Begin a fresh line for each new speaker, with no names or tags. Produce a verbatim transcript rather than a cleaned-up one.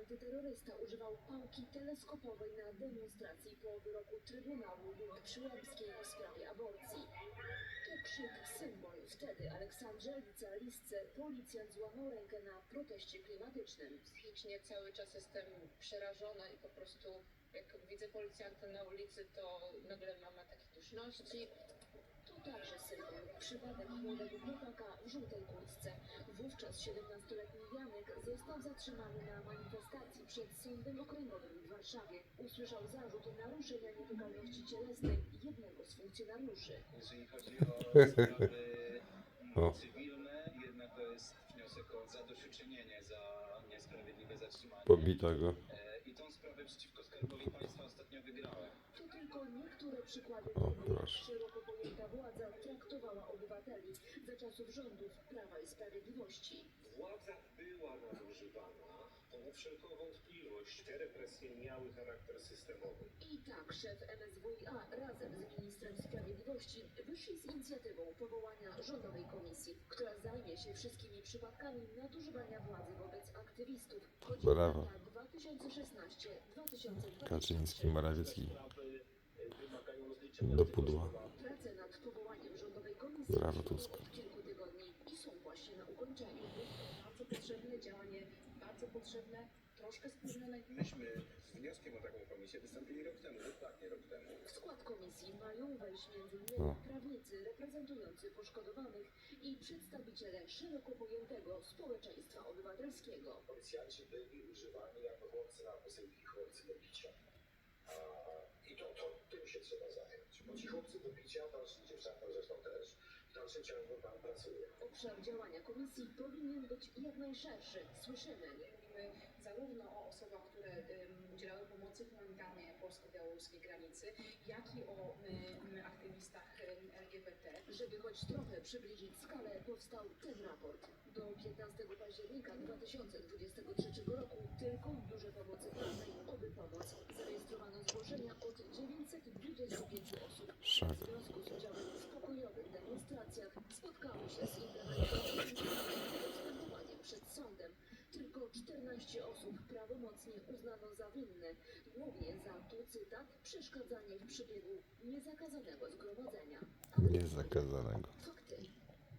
antyterrorysta używał pałki teleskopowej na demonstracji po wyroku Trybunału Julii Przyłębskiej w sprawie aborcji. To krzyk symbol. Wtedy Aleksandrze Licealistce policjant złamał rękę na proteście klimatycznym.
Psychicznie cały czas jestem przerażona i po prostu jak widzę policjanta na ulicy, to nagle mam ataki duszności.
To także symbol. Przypadek młodego chłopaka w żółtej kurtce. Wówczas siedemnastoletni Janek został zatrzymany na manifestacji przed Sądem Okręgowym w Warszawie. Usłyszał zarzut naruszenia nietykalności cielesnej jednego z funkcjonariuszy.
Jeżeli chodzi o sprawy
O.
cywilne, jednak to jest wniosek o zadośćuczynienie za niesprawiedliwe zatrzymanie.
Pobito go.
E, I tą sprawę przeciwko Skarbowi Państwa ostatnio wygrałem.
To tylko niektóre przykłady
O,
tego, jak
proszę.
szeroko pojęta władza traktowała obywateli za czasów rządów Prawa i Sprawiedliwości.
Władza była nadużywana, ponad wszelką wątpliwość. Te represje miały charakter systemowy.
I tak szef M S W iA razem z ministrem sprawiedliwości wyszli z inicjatywą powołania rządowej komisji, która zajmie się wszystkimi przypadkami nadużywania władzy wobec aktywistów. Chodzi o
Brawo.
lata dwa tysiące szesnaście do dwa tysiące dwudziestego trzeciego.
Kaczyński, Morawiecki.
Sprawy wymagają rozliczenia.
Do pudła.
Prace nad powołaniem rządowej komisji
Brawo,
trwają
Tusk.
od kilku tygodni i są właśnie na ukończeniu.
Bardzo potrzebne działanie, bardzo potrzebne, troszkę spóźnione.
Myśmy z wnioskiem o taką komisję wystąpili rok temu, dokładnie rok temu.
W skład komisji mają wejść między innymi
No.
prawnicy reprezentujący poszkodowanych i przedstawiciele szeroko pojętego społeczeństwa obywatelskiego.
Policjanci byli używani jako chłopcy na posyłki, chłopcy do bicia. A, I to, to tym się trzeba zająć. Bo ci chłopcy do bicia, dalszy dziewczęta zresztą też, w dalszym ciągu tam pracuje.
Obszar działania komisji powinien być jak najszerszy. Słyszymy.
Mówimy zarówno o osobach, które um, udzielały pomocy humanitarnej na polsko-białoruskiej granicy, jak i o um, aktywistach um, L G B T.
Żeby choć trochę przybliżyć skalę, powstał ten raport. Do piętnastego października dwa tysiące dwudziestego trzeciego roku tylko w biurze pomocy prawnej Oby Pomoc zarejestrowano zgłoszenia od dziewięćset dwudziestu pięciu osób.
Szak.
W związku z udziałem w pokojowych demonstracjach spotkały się z internetowym postępowaniem przed sądem. Tylko czternaście osób prawomocnie uznano za winne, głównie za, tu cytat, przeszkadzanie w przebiegu niezakazanego zgromadzenia.
Niezakazanego.
Co